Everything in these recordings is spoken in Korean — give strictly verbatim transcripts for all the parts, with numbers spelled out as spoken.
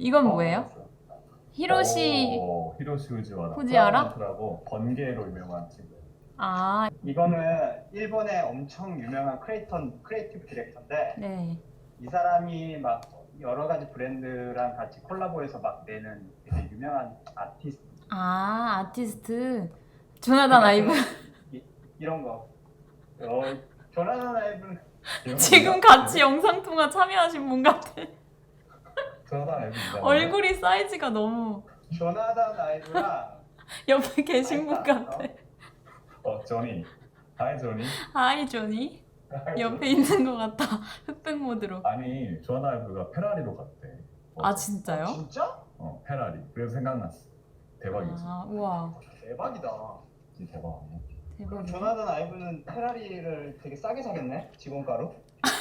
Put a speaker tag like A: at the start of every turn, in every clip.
A: 이건
B: 어,
A: 뭐예요?
B: 알았어.
A: 히로시
B: 오, 히로시 우지와라.
A: 후지와라?
B: 프라고 번개로 유명한 친구.
A: 아,
C: 이거는 일본의 엄청 유명한 크리에이터, 크리에이티브 디렉터인데
A: 네.
C: 이 사람이 막 여러 가지 브랜드랑 같이 콜라보해서 막 내는 되게 유명한 아티스트
A: 아, 아티스트 조나단 아이브.
C: 이, 이런 거. 어, 조나단 아이브는
A: 지금 같이 영상 통화 참여하신 분 같아.
B: 조나단 앱이 이상한데?
A: 얼굴이 사이즈가 너무
C: 조나단 아이브랑
A: 옆에 계신 분
C: 아이가,
A: 같아.
B: 어, 조니. 하이 조니.
A: 하이 조니.
B: 하이,
A: 옆에
B: 조니.
A: 있는 것 같다. 흑백 모드로.
B: 아니, 조나단 앱가 페라리로 갔대. 어,
A: 아 진짜요?
C: 진짜?
B: 어, 페라리. 그래서 생각났어. 대박이지.
A: 아 우와
C: 대박이다.
B: 진짜 대박 아니야?
C: 그럼
A: 대박이네.
C: 조나단 아이브는 페라리를 되게 싸게 사겠네? 직원가로?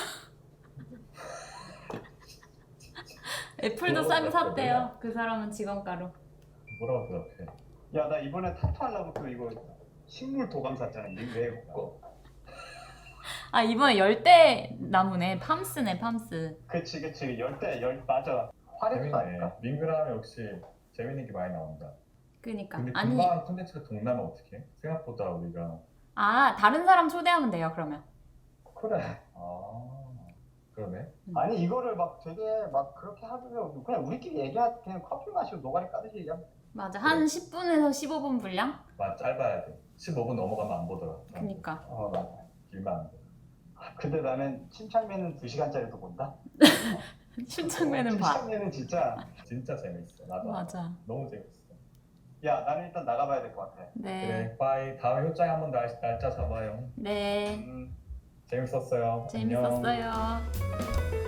A: 애플도 싸게 샀대요. 그 사람은 직원가로.
B: 뭐라고 대답해?
C: 야, 나 이번에 타투 하려고 또 이거 식물 도감 샀잖아. 이게 왜 거?
A: 아 이번에 열대 나무네. 팜스네 팜스.
C: 그치, 그치. 열대, 열, 맞아. 화려도 아닐까?
B: 재밌네. 밍그라면 역시 재밌는 게 많이 나온다.
A: 그니까
B: 근데
A: 아니
B: 금방 콘텐츠가 동나면 어떡해? 생각보다 우리가
A: 아 다른 사람 초대하면 돼요 그러면.
C: 그래.
B: 아 그러네.
C: 아니, 이거를 막 되게 막 그렇게 하면 그냥 우리끼리 얘기하 그냥 커피 마시고 노가리 까듯이 얘기하면
A: 맞아 한 십 분에서 십오 분 분량?
B: 맞 짧아야 돼. 십오 분 넘어가면 안 보더라.
A: 그니까
C: 어, 맞아.
B: 길면 안 돼.
C: 근데 나는 침착맨은 두 시간짜리도 본다?
A: 신청매는 봐.
C: 침착맨은 진짜.
B: 진짜 재밌어. 나도 알아.
A: 맞아.
B: 너무 재밌어.
C: 야, 나는 일단 나가봐야 될 것 같아.
A: 네.
B: 그래 빠이. 다음에 효장에 한번 날, 날짜 잡아요.
A: 네.
C: 음.
B: 재밌었어요. 안녕.
A: 재밌었어요.